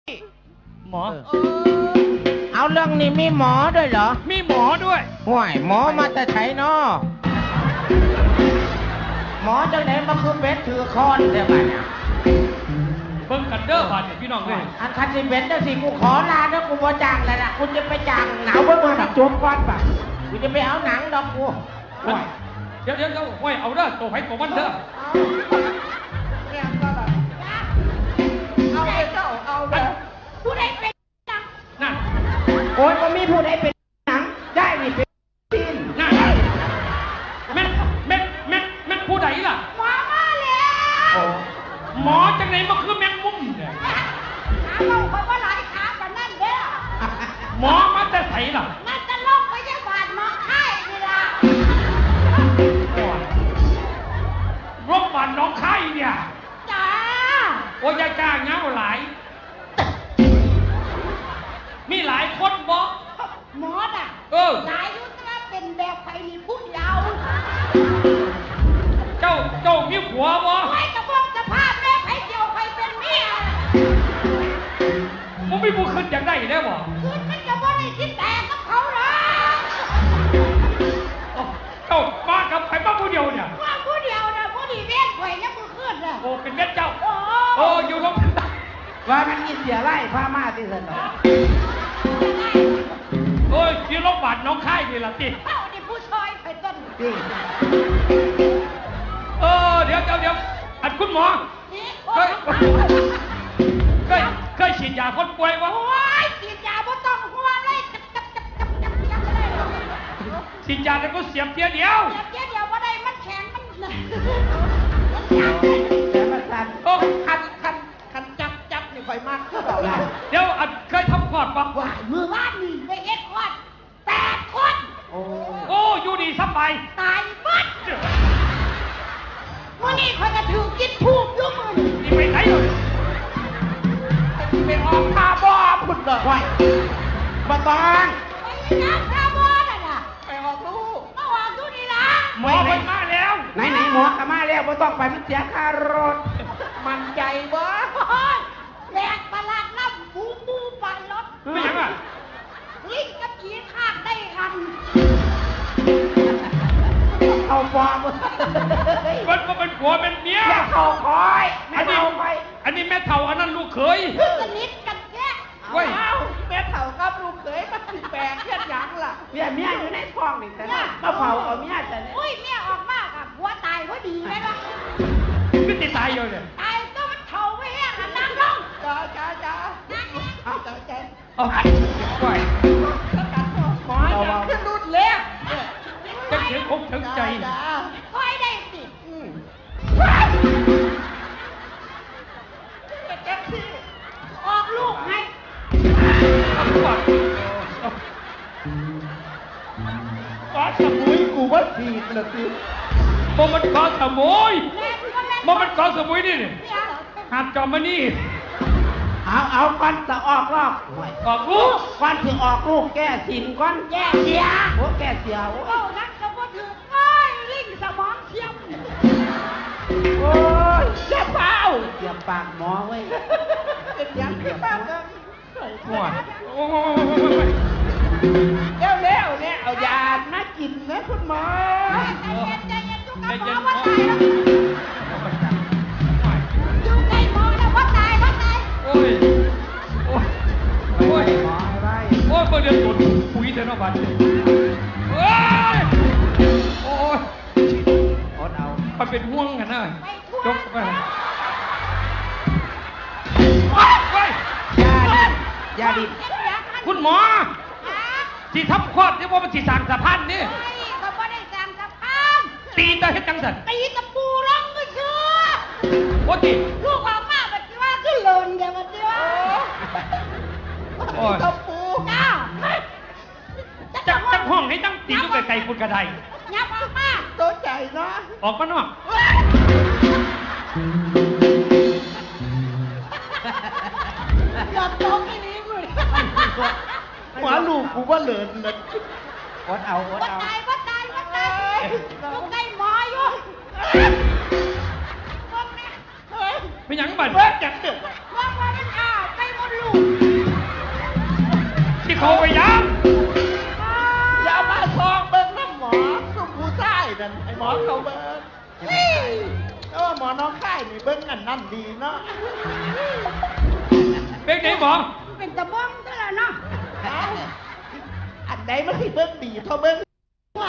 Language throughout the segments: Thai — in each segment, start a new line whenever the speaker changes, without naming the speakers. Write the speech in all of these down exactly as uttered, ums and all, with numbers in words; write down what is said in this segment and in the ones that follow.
หมอ
เอาเรื่องนี้มีหมอด้วยเหรอ
มีหมอด้วย
ห่วยหมอมาแต่ไถนอหมอจังไหนมาคือเป็ดถือคอนแต่บ้านเนี่ย
เบิ่งกันเด้อบาดเนี่ยพี่น้องเลย
อันคันสิเป็ดนะสิกูขอลาแล้วกูบ่จ้างแล้วล่ะกูจะไปจ้างหนาวเบิ่งมาดักจมก่อนป่ะกูจะไปเอาหนังดอกกูห่วย
เดี๋ยวเดี๋ยวเดี๋ยวห่วยเอาเด้อตัวไผตัวมันเด้อ
เอาเลยเจ้าเอาเลยผู้ใดเป็นหนัง
น่ะ
โอ้ยก็มีผู้ใดเป็นหนังได้นี่เป็นซีน
น่ะแม่แม่แม่แม่ผู้ใดล่ะ
หมอมาแล้ว
หมอจังไหนมาคือแมงมุมเนี่ย
หาเราคนว่าหลายขากันนั่นเด้อ
หมอมาแต่ไสล่ะ
นั่นจะลงไปยังบาดหมอไข้นี่ล่ะ
โรงพยาบาลน้องไข่เนี่ย
จ้า
โอ้ยจ้าเงาหลายมีหลายคนบ่
หมอน่ะ
เออ
หลายยุทธะเป็นแบบไผ่นี่พูดยาว
เจ้าเจ้ามีผัวบ่
ไว้กระบอกสภาพแม่ไผ่เดียวไผ่เป็นเมีย
มึงไม่บุขึ้นอย่างได้ได้บ่
ขึ้นมันจะบ่ได้คิดแต่กับเขาหรอก
เจ้ามากับไผ่บ้าผู้เดียวเนี่ย
ว่าผู้เดียวนะผู้ดีเว้นไผ่ยังมือขึ้นน่ะ
โอ้เป็นเม็ดเจ้า
โอ้
โอ้อยู่ลง
ว่ามันกินเสียไล่พามาที่สนอ
โอ้ยอยู่โรงพยาบาลน้องค่ายนี่ล่ะติ
เอ้านี่ผู้ชายไผ่ต้น
ติเออเดี๋ยวเดี๋ยวเดี๋ยวอันคุณหมอเคยเคยเคยฉีดยาคนป่วยวะ
โอ้ยฉีดยาบ่ต้องห่วงเลยจับจับจับจับจับจับเลย
ฉีดยาแล้วก็เสียบเทียเดียว
เสียบเทียเดียวบ่ได้มันแข็งมันแต่มันสั่น
โอ้
คันคันคันจับจับนี่ค่อยมากคือดอกล่ะ
เดี๋ยวอันเคยทำคลอดปะ
ว่ามือบ้านนี่ไปเฮ็ดคลอดแปดคน
โอ้โอ้อยู่ดีสบาย
ตายหมดมื้อนี้ข่อยก็ถูกกินทูบอยู่มื้อนี้
นี่ไปไหนเลย
ไปออกคาร์บ่พุ่นเด้อไว้บ่ต้องไปนะคาร์บ่นั่นน่ะไปออกลูกเอาออกดูนี่ล่ะ
หมอไปมาแล้ว
ไหนๆหมอก็มาแล้วบ่ต้องไปมันเสียค่ารถมันใจบ่แหลกประหลาดน้ำบูบูปั่นรถ
ไม่ยังอ่ะ
ลิงกับผีคาดได้กันเอาฟอม
มันก็เป็นผัวเป็นเมีย
แม่เท่าคอยแม่เท่าไป
อันนี้แม่เท่าอันนั้นลูกเขย
สนิทกันแค่เอาแม่เท่ากับลูกเขยมันแปลกเพี้ยนยังล่ะเมียเมียอยู่ในท้องนี่แต่ก็เผาเอาเมียแต่เนี่ยอุ้ยเมียออกมากอ่ะผัวตายพอดีเลยนะ
ไม่ติดตายอยู่เนี่ย
ตายก็มันเท่าไม่แห้งนั่งลงจ้าจ้าจ้าเอาจ้าจ้า
เอาไป
หมอจะขึ้นรุดเล็ก
จะเสียงอกถึงใจ
คอยได้สิออกลูกให้
กอสมุยกูว่าผิดนะคือบ่มันกอสมุยบ่มันกอสมุยนี่นี่หาดจอมมานี่
เอาเอาก่อนจะออกรอบ
ออกลูก
ก่อนถึงออกลูกแก้สินก่อนแก้เสียโอ้แก้เสียโอ้นักสมบูรณ์ถึงโอ้ยลิงสมองเทียมโอ้ยเจ็บเปล่าเจ็บปากหมอไว้เป็นยังเจ็บปากกัน
หัวโอ้
ยเร็วเร็วเนี่ยเอายามากินนะคุณหมอใจเย็นใจเย็นจุกกับหมอว่าตายแล้วอยู่ใกล้หมอแล้วว่าตายว่าตาย
โอ้ยโอ้ยโอ้ยหมออะไรโอ้ยเมื่อเดือนตุ่นปุ๋ยเดือนนอกบ้านโอ้ยโอ้ยอดเอามันเป็นห่วงกันนะจกไปไป
ยาดิบ
คุณหมอที่ทับคลอดนี่ว่ามันที่สั่งสะพานนี่
เขาไม่ได้สั่งสะพาน
ตีตาเฮ็ดจังสัน
ตีตะปูร้องก็เชื่อ
โอ้ติ
ลูกออกมาแบบว่าขึ้นหล่นเดี๋ยวมันจะว่าตะปูจ้า
จังจังห้องให้ตั้งตีลูกไก่คุณกระได
ยับออกมาตัวใจเนาะ
ออกมาเนาะ
หลับตรงนี้มึง
หัวลูกกูว่าเหลินเลย
อดเอาอดเอาตายว่าตายว่าตายลูกไก่หมออยู่
ไม่ยังบัด
เบิดจังเดือดว่าว่ามันอ้าวไปหมดลูก
เขาไปยัง
อย่ามาซองเบิ้งน้ำหมอสุผู้ใต้นั่นไอ้หมอเขาเบิ้งเฮ้ยเออหมอน้องค่ายนี่เบิ้งอันนั่นดีเนาะ
เป็นไหนหมอ
เป็นตะบ้องเท่านั้นเนาะ
เอาอันใดมันที่เบิ้งดีเท่าเบิ้งว่า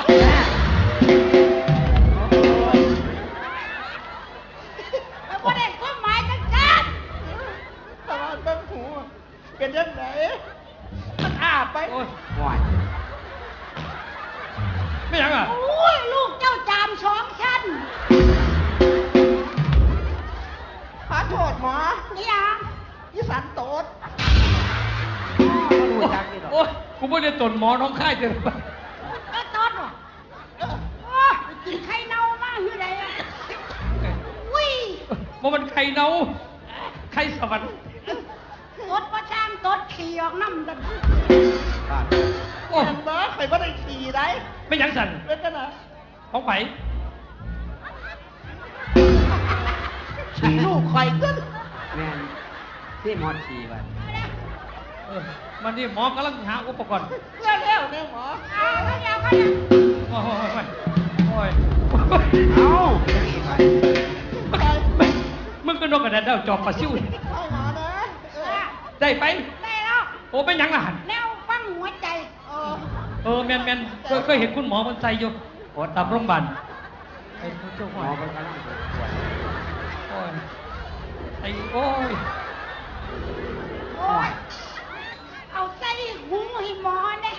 แล้วบ่ได้ความหมายจังซั่น
ตลอดเบิ้งหูเป็นยังไงมันอาบไป
โอ้ย
ห่วย
ไม่ยังอ่ะ
โอ้ยลูกเจ้าจามสองชั้น
ขอโทษหมอ
นี่หยัง
อีสันโตด
รู้จักนี่หรอ
โอ้ยกูไม่ได้ตนหมอน้องค่ายเจอไป
เออตอดว่ะ
เออ
โอ้ยกินไข่เน่ามาคือไดอ่ะอุ้ย
มันมันไข่เน่าไข่สวรรค์
ตดว่าช่างตดขี่ออกน้ำดัน
โอ้ย
เห็นบ่ใครบ่ได้ขี่ได้
ไม่ยังสั่น
เป็นกันนะ
ของไผ่
ขี่ลูกคอยขึ้น
แม่นที่หมอชีไป
เออมันนี่หมอกำลังหาอุปกรณ์
เร็วเร็วๆเนี่ยหมอ
เอาเขาเดียวเขาเดียว
โอ้ยโอ้ย
เอาจังอีกไป
ไปไป
มึงก็นกกระดาษดาวจอบปลาซิวนี่
หมอนะเออ
ได้ไป
ได้แล้ว
โอ้เป็นหยังล่ะหัน
แนวฟังหัวใจ
เออ
เออแมนแมนเคยเคยเห็นคุณหมอมันใส่อยู่โอ้ตามโรงพยาบาลไอ้เจ้า
ห
ห
ม
ม
อ
อ
มันกำลังปวด
โอ้ยไอ้โอ้ย
โอ้ยเอาใส่หูให้หมอเนี่ย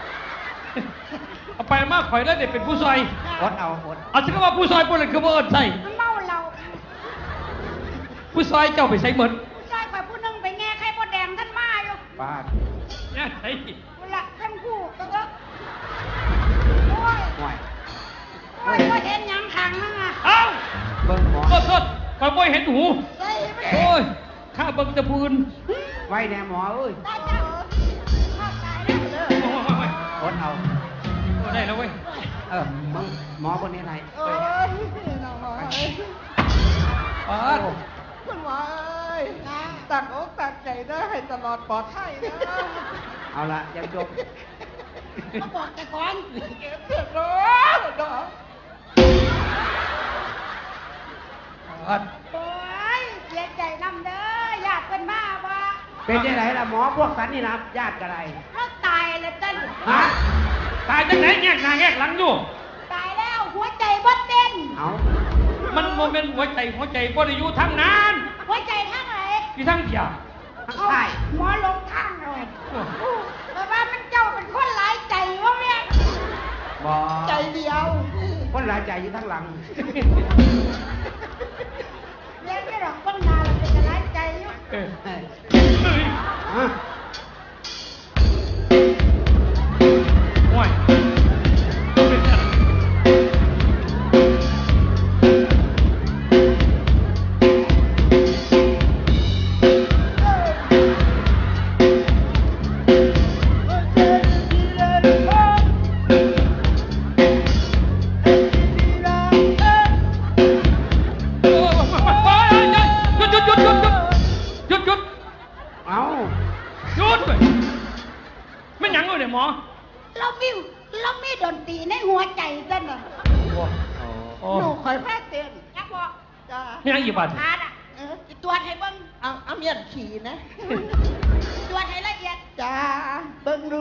เอาไปมาข่อยแล้วเด็กเป็นผู้ซอย
อดเอาอด
เอาฉันก็ว่าผู้ซอยพวกนั้นคือว่าเอิญใส่
มันเมาเรา
ผู้ซอยเจ้าไปใส่เหมือน
ผู้ชายไปผู้หนึงไปแง่ไข่มดแดงท่านมาอยู่
ป้า
เนี่ยไอ้
เวลาทั้งคู่ก็ก็โอ้ย
ห่วย
โอ้ยก็เห็นหยังขังนั่งอ่ะ
เอ้า
เบิ่งหมอ
โทษโทษข่อยบ่เห็นหู
ใส่ไป
โอ้ยข้าเบิ่งแตะพูน
ไว้แน่หมอเอ้ย
ตายจ้ะเข้าใจแล้ว
โอ้ยโอ้ยโอ้ย
อดเอา
โอ้ยได้แล้วเว้ย
เออมึงหมอคนนี้ไหน
เอ้ยน้องหมอเอ้ย
อ๋อ
คุณหมอเอ้ยตักอกตักใจได้ให้ตลอดปลอดภัยนะ
เอาละยังจบ
เขาบอกแต่ก่อน
เก็บเสร็จแล้วเนาะ
อ๋อ
โอ้ยเสียใจนำเด้อญาติเพิ่นมาว่า
เป็นยังไงล่ะหมอพวกสันนี่นะญาติกันไร
เขาตายแล้วจ้ะ
ฮะ
ตายจังไหนแงกหน้าแงกหลังอยู่
ตายแล้วหัวใจบ่เต้น
เอา
มันโมเมนต์หัวใจหัวใจบ่ได้อยู่ทางนั้น
หัวใจทางไหน
อยู่ทางเดียว
ทั้ง
เอา
ใต้
หมอลงทางเลยแต่ว่ามันเจ้าเป็นคนหลายใจวะแม่
บอ
ใจเดียว
คนหลายใจอยู่ทั้งหลัง
เรียนไม่หรอกคนนาเราเป็นหลายใจอยู่
เออ
เฮ้ย
เฮ้ย
ฮะ
ห่วยโอ้ยหยุดหยุดหยุดหยุดหยุดหยุดหยุด
เอา
หยุดเว้ยไม่หยังเลยเนี่ยหมอ
เรามีเรามีดนตรีในหัวใจจ้ะน่ะ
โอ้
หนูคอยแพ้เต้น
อยากบอก
จ้า
ไม่หยังอีกบาท
ทานอ่ะ
เออ
ตรวจให้เบิ่ง
เอาเอาเมียนขี่นะ
ตรวจให้ละเอียด
จ้าเบิ่งดู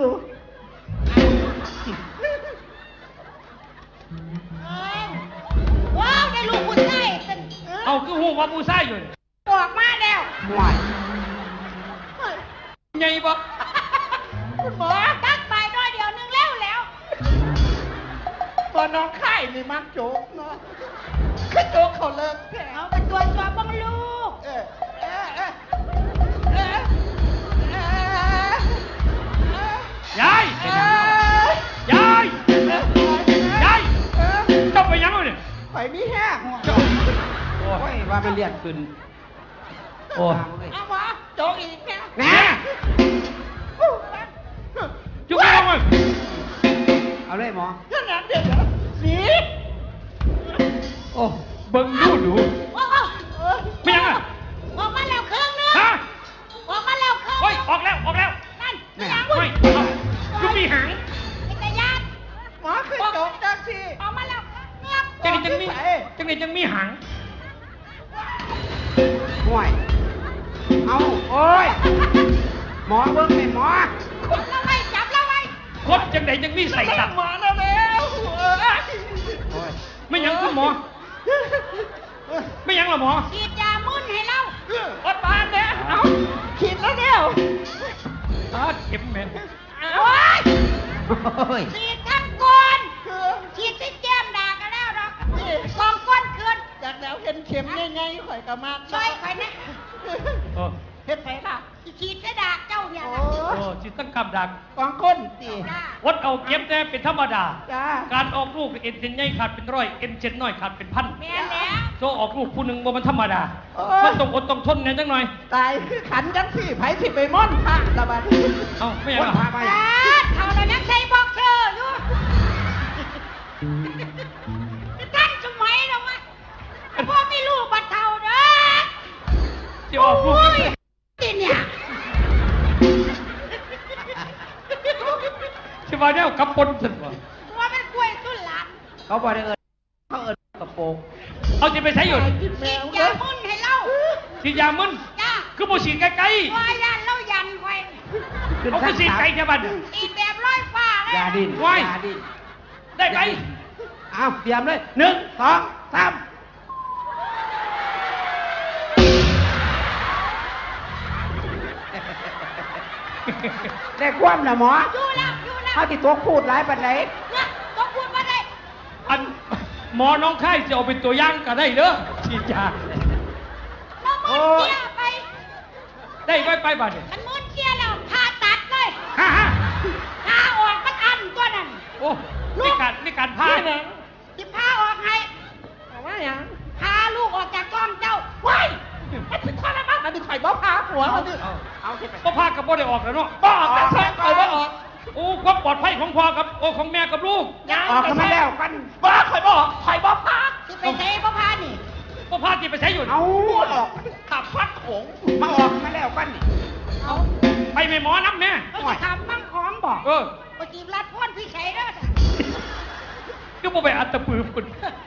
เอ้ยว้าวได้ลูกผู้ชายเป็น
เอาคือหูว่าผู้ชายอยู่นี่
บอกมาแล้ว
ห่วย
ใหญ่ปะ
คุณหมอ
ตักไปน้อยเดียวนึงแล้วแล้ว
ตัวน้องไข่นี่มักโจกเนาะคือโจกเขาเลิกแถ
เอา
ว
ไปตรวจสอบเบ้างลูก
เออเออเออเออเออย
าย
เออย
ายยายเจ้าไปหยังเลยเนี่ย
ไปมีแห้ง
เจ้าโอ้
โอ้ยว่ามันเลียดขึ้น
โอ้
ตามเลย
เอาหมอโจกอีกแน่
แน่
จุ๊บไปลงเลย
เอาเลยหมอ
ขนาดเด็กเหรอสี
โอ้เบิ่งดูดู
โอ้โห
เออ
ไม่หยังอ่ะ
ออกมาแล้วครึ่งนึง
ฮะ
ออกมาแล้วครึ่ง
เฮ้ยออกแล้วออกแล้ว
นั่น
แม่
ยัง
เฮ้ยเอา
หมอเบิ้งไหมหมอ
จับแล้วไว้จับแล้วไว้
คดจังไหนยังมีใส่ตับ
หมอแล้วแล้วเอ้ย
โอ้ย
ไม่ยังคุณหมอ ไม่ยังหรอหมอ
ฉีดยามึนให้เรา
อดบานเนี่ยเอา
ฉีดแล้วเดียว
ตาเข็มแม่
โอ้ย
โอ้ย
ฉีดทั้งก้น
คือ
ฉีดที่แก้มด่ากันแล้วหรอกกองก้นขึ้น
จากแล้วเห็นเข็มง่ายๆข่อยก็มาก
ช่วยข่อยนะ
เออ
เฮ็ดไผล่ะ
ฉีดจะด่าเจ้าเนี่ย
โอ้
นะ
โอ้จิตตั้งกำดัก
กองก้นสิ
จ้า
อดเอาเก็บแต่เป็นธรรมดา
จ้า
การออกลูกเอ็นเซนใหญ่ขาดเป็นร้อยเอ็นเซนน้อยขาดเป็นพัน
แม่นแล้ว
โซออกลูกผู้หนึ่งบ่มันธรรมดา
โอ้
มัน
ย
ต้องอดต้องทนเนี่ยจังหน่อย
ตายคือขันจังสี่ไผสิไปม่อนพระละบัดนี้
เอ้าไม่ยัง
คน
หรอ
พาไป
จ้าเท่านั้นยังใช้บอกเธออยู่ท่านสมัยเรามาพ่อไม่รู้บัดเท่าเด้อ
จะออกลูก
โอ้ยที่เนี่ย
ใช่ป่ะเนี่ยกับปนสุดว่ะ
ตัวเป็นกล้วยสุดหลาน
เขาบอกได้เอิญเขาเอิญกระโปรง
เอาจะไปใช้อยู่
กินแม
ฉีด
วย
า
เด้อ
มึนให้เรา
ฉีดยามึน
จ้า
คือบ่ฉีดไกล
ว่ายันเรายันไว้
ๆเอาคือฉีดไกลแค่บ้าน
ฉีดแบบร้อยฟ้าเลย
ยาดิน
ไว้
ยาดิน
ได้ไหม
อ้าวเตรียมเลยหนึ่งสองสามได้ความนะหมอ
อยู่แล้วอยู่แล้ว
เขาติดตัวพูดหลายปันไหน
เนี่ยต้องพูดมาได้
อันหมอน้องไข้จะเอาเป็นตัวอย่างก็ได้เด้อฉีดยา
เรามึนเชียไป
ได้ไว้ไปบ้านเนี่ย
มันมึนเชียแล้วผ่าตัดเลย
ฮ่าฮ่า
ผ่าออกมันอันตัวนั้น
โอ้นี่การนี่การพา
นี่หนัง
ที่ผ่าออกให้
เอาว่าหยัง
พาลูกออกจากกล้องเจ้าว้าย
มันเป็นข้อละมั้งมันเป็นไข่บ่พาหัวมันนี่
เอาเอาที่ไป
พ่อพากับพ่อได้ออกแล้วเนาะ
บ่ออกแต่แท้ไข่บ่ออก
โอ้ความปลอดภัยของพ่อกับโอ้ของแม่กับลูก
ยัง
ออกกันมาแล้วกัน
บ่ไข่บ่ออกไข่บ่พา
ที่ไปเทพ่อพานี่
พ่อพาที่ไปใช้อยู่
เอาออก
ขับพัดโขง
มาออกมาแล้วกันนี่
เอา
ไปไม่หมอน้ำแม่
เราจะทำมั่งของบอก
เออ
ปจีบรัดพ่นพี่ชัยเด้อ
ก็บ่ไปอัดตะปือคุณ
เ